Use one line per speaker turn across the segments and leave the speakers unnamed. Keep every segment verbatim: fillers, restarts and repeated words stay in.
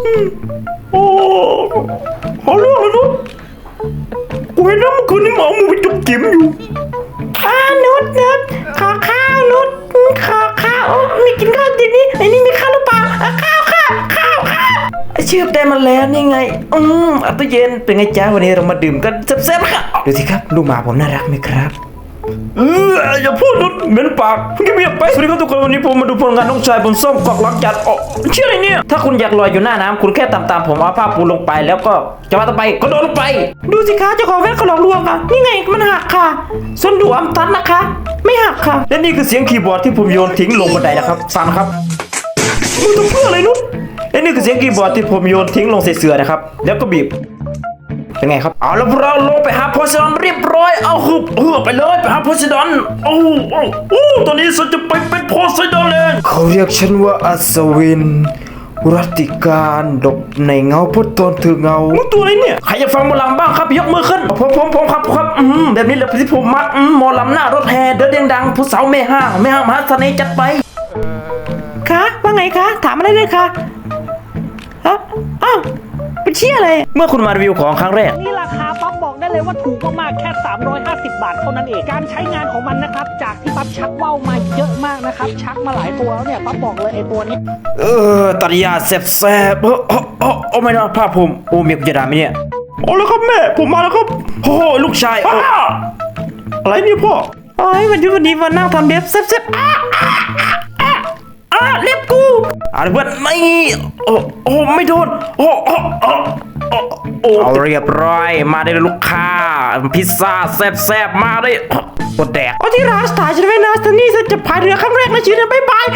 โอ้เอาเรื่องเลยนุชกูเห็นนะเมื่อคืนนี้หมามึงไปจุกจิ๋มอยู่อ่านุชนุชขอข้าวนุชขอข้าวไม่กินข้าวทีนี้ไอ้นี่มีข้าวหรือเปล่าข้าวข้าวข้าวข้าวเชื่อได้มาแล้วนี่ไงอืมอัตเย็นเป็นไงจ้าวันนี้เรามาดื่มกันแซ่บๆค่ะดูสิครับลูกหมาผมน่ารักไหมครับเอออย่าพูดนุชเหม็นปากเงียบไปสวัสดีครับทุกคนวันนี้ผมมาดูผลงานน้องชายบนส้มกอกหลังจัดอ๋อเชื่ออะไรเนี่ยถ้าคุณอยากลอยอยู่หน้าน้ำคุณแค่ตามๆผมเอาผ้าปูลงไปแล้วก็จะมาต่อไปก็โดดลงไปดูสิคะเจ้าของแว่นเขาหลอกลวงค่ะนี่ไงมันหักค่ะส่วนดูอัมตันนะคะไม่หักค่ะและนี่คือเสียงคีย์บอร์ดที่ผมโยนทิ้งลงบันไดนะครับฟังครับมึงต้องเพื่ออะไรนุชและนี่คือเสียงคีย์บอร์ดที่ผมโยนทิ้งลงใส่เสือนะครับแล้วก็บีบเป็นไงครับเอาแล้วเราลงไปหาโพไซดอนเรียบร้อยเอาฮึบเออไปเลยไปหาโพไซดอนโอ้โอ้โอ้ตอนนี้ฉันจะไปเป็นโพไซดอนเองเขาเรียกฉันว่าอัศวินรัติการดบในเงาพุทธตนถือเงามึงตัวอะไรเนี่ยใครอยากฟังหมอลำบ้างครับยกมือขึ้นผมผมผมครับครับอืมแบบนี้แหละที่ผมมักอืมหมอลำหน้ารถแห่เดินเรียงดังผู้สาวแม่ห้างแม่ห้างมหาเสน่ห์จัดไปคะว่าไงคะถามอะไรเลยคะฮะอ้าวเป็นเชี่ยอะไรเมื่อคุณมารีวิวของครั้งแรก
นี่ราคาปั๊บบอกได้เลยว่าถูกมากๆแค่สามร้อยห้าสิบบาทเท่านั้นเองการใช้งานของมันนะครับจากที่ปั๊บชักว่าวมาเยอะมากนะครับชักมาหลายตัวแล้วเนี่ยปั๊บบอกเลยไอ้ตัวนี้
เออตัดยาแซ่บแซ่บเออโอ้โอ้โอ้ไม่นะภาพผมโอ้เมียกูจะด่าไหมเนี่ยโอ้แล้วครับแม่ผมมาแล้วครับโอ้ลูกชายอะไรเนี่ยพ่อโอ้ยวันนี้วันนี้มานั่งทำเล็บแซ่บแซ่บอ้าอ้าอ้าเล็บกูอะไรเพื่อนไม่โอ้โอ้ไม่โดนโอ้โอ้โอ้โอ้เอาเรียบร้อยมาได้ลูกค้าพิซซ่าแซ่บแซ่บมาได้กดแดกโอ้ที่ร้านสถานฉันไว้นะสนี่ฉันจะพายเรือครั้งแรกในชีวิตนะบ๊ายบาย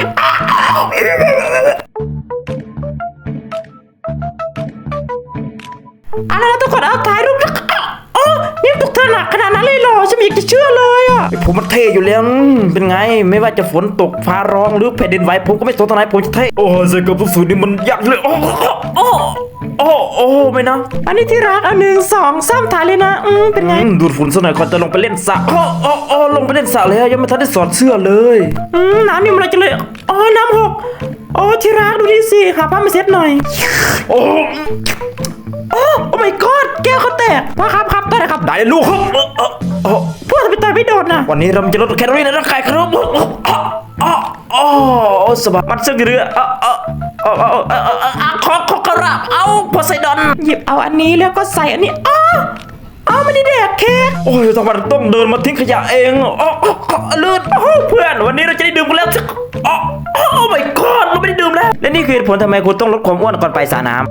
อะไรนะทุกคนเอาถ่ายรูปแล้วโอ้นี่ตุกเธอหนักขนาดนั้นเลยเหรอฉันไม่อยากจะเชื่อเลยอ่ะผมมันเท่อยู่แล้วเป็นไงไม่ว่าจะฝนตกฟ้าร้องหรือแผ่นดินไหวผมก็ไม่สนทนายผมจะเท่โอ้ใส่กับทุกสูตรนี่มันยากเลยโอ้โอ้โอ้โอ้ไม่นะอันนี้ที่รักอันหนึ่งสองสามถ่ายเลยนะอืมเป็นไงดูดฝุ่นซะหน่อยก่อนจะลงไปเล่นสระโอ้โอ้โอ้ลงไปเล่นสระแล้วยังไม่ทันได้สอดเสื้อเลยอืมน้ำนี่มันอะไรจะเลยอ๋อน้ำหกโอ้ที่รักดูดิสิหาผ้ามาเช็ดหน่อยโอ้โอ้ my god แก้วเขาแตกพ่อครับครับได้ครับได้ลูกครับเออเออพ่อทำไมต่อยไม่โดนนะวันนี้เราจะลดแคลอรี่ในร่างกายครับอ๋ออ๋อสบายมันเสื้อเรือเออเออเออเออเออเออขอขอกระเอาโพไซดอนหยิบเอาอันนี้แล้วก็ใส่อันนี้อ๋ออ๋อไม่ได้แดกเค้กโอ้ยทำไมต้องเดินมาทิ้งขยะเองอ๋อเลือดเพื่อนวันนี้เราจะได้ดื่มกันแล้วอ๋อโอ้ my god เราไม่ได้ดื่มแล้วและนี่คือเหตุผลทำไมคุณต้องลดความอ้วนก่อนไปสระน้ำ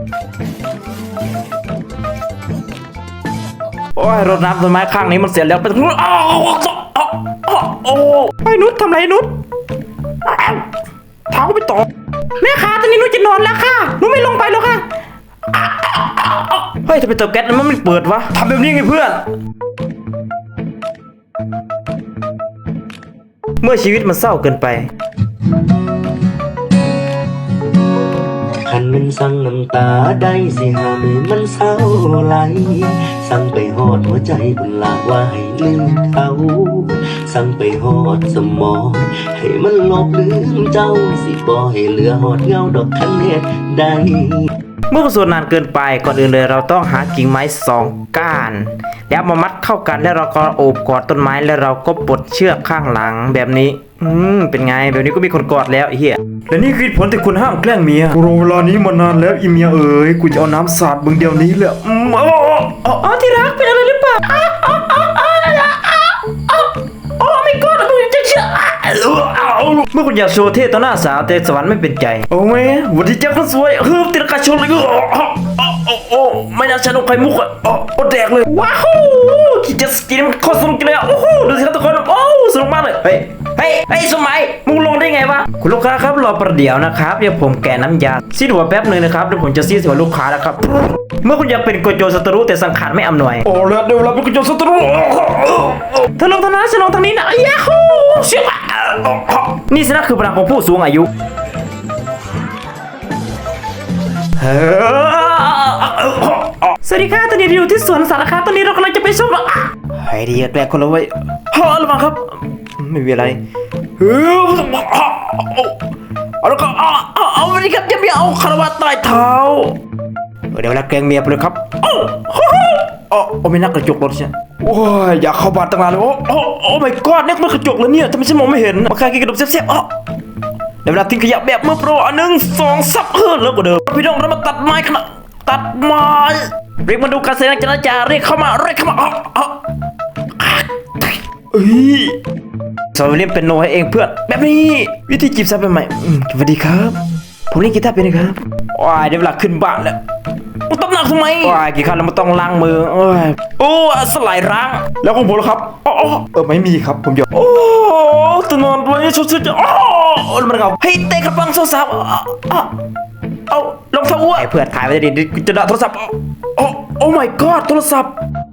โอ้ยรดน้ำต้นไม้ข้างนี้มันเสียแล้วไปตรงนู้นอ้าวโอ้ไอ้นุชทำไรนุชเท้าไปต่อแม่ขาตอนนี้นุชจะนอนแล้วค่ะนุชไม่ลงไปแล้วค่ะเฮ้ยทำไมเตาแก๊สมันไม่เปิดวะทำแบบนี้ไงเพื่อนเมื่อชีวิตมันเศร้าเกินไป
คันมันสั่งน้ำตาได้สิหาไม่มันเศร้าไหลสั่งไปหอดหัวใจบุญลาว่าให้ลืมเขาสั่งไปหอดสมองให้มันลบลืมเจ้าสิบ่ให้เหลือหอดเงาดอกคันเฮ็ดได้
เมื่อสวดนานเกินไปก่อนอื่นเลยเราต้องหากิ่งไม้สองก้านแล้วมามัดเข้ากันแล้วเราก็โอบกอดต้นไม้แล้วเราก็ปลดเชือกข้างหลังแบบนี้อืมเป็นไงแบบนี้ก็มีคนกอดแล้วไอ้เหี้ยและนี่คือผลที่คุณห้ามแกล้งเมียกูรอเวลานี้มานานแล้วอีเมียเอ๋ยกูจะเอาน้ำสาดมึงเดียวนี้เลยอืมอ๋ออ๋อที่รักเป็นอะไรหรือเปล่าอ๋ออ๋ออ๋ออ๋ออ๋อโอ้ไม่กอดมึงจะเชื่อเมื่อคุณอยากโชว์เท่ต่อหน้าสาวแต่สวรรค์ไม่เป็นใจโอ้แม่วันที่เจ้าคนสวยเฮ้ยติดกระชนเลยก็โอ้โอ้ไม่น่าชนกไข่มุกอ่ะโอ้โอ้แดกเลยว้าวคิดจะสกินมันโคตรสนุกเลยอ่ะโอ้โหดูสิครับทุกคนโอ้สนุกมากเลยเฮ้ยเฮ้ยเฮ้ยสมัยมึงลงได้ไงวะคุณลูกค้าครับรอประเดี๋ยวนะครับเดี๋ยวผมแกะน้ำยาซีดหัวแป๊บหนึ่งนะครับเดี๋ยวผมจะซีดหัวลูกค้าแล้วครับเมื่อคุณอยากเป็นโกโจศัตรูแต่สังขารไม่อำนวยโอ้แล้วเดี๋ยวเราเป็นโกโจศัตรูเธอลงทางนั้นฉันลงทางนี้นะยาฮูเชื่อนี่สินะคือพลังของผู้สูงอายุสวัสดีค่ะตอนนี้เราอยู่ที่สวนสาธารณะตอนนี้เรากำลังจะไปชมไอ้ดีแกล้งคนละไว้ฮ่าระวังครับไม่มีอะไรเอาแล้วก็เอาเอาเอาไปดิครับจะไม่เอาคารวะใต้เท้าเดี๋ยวเวลาแกล้งเมียไปเลยครับโอ้โหโอ้โอ้ไม่นักกระจกรถใช่โอ้ยอยากเข้าบ้านตั้งนานเลยโอ้โอ้โอ้ my god นี่มันกระจกแล้วเนี่ยทำไมฉันมองไม่เห็นมาใครกินขนมแซ่บๆอ๋อเดี๋ยวเวลาทิ้งขยะแบบมือโปรอันหนึ่งสองซับเฮิร์แล้วก็เดิมพี่น้องเรามาตัดไม้ขนาดตัดไม้เรียกมาดูการแสดงจราจาเรียกเข้ามาเรียกเข้ามาอ๋ออ๋อเอ้ยสอนเล่นเป็นโนให้เองเพื่อนแบบนี้วิธีจีบสาวเป็นใหม่อืมสวัสดีครับผมเล่นกีตาร์เป็นนะครับว้ายเดี๋ยวเวลาขึ้นบ้านแล้วมึงตบหนักทำไมว้ายกี่ครั้งแล้วมันต้องล้างมือโอ้ยโอ้สลายล้างแล้วของผมล่ะครับอ๋อเออไม่มีครับผมหยอกโอ้ตัวนอนไว้ชุดๆอ๋อแล้วมันเอาให้เตะกระปังโซซับอ๋อเอาลองเท้าอ้วนไอ้เพื่อนถ่ายไว้ดิจะด่าโทรศัพท์โอ้โอ้ my god โทรศัพท์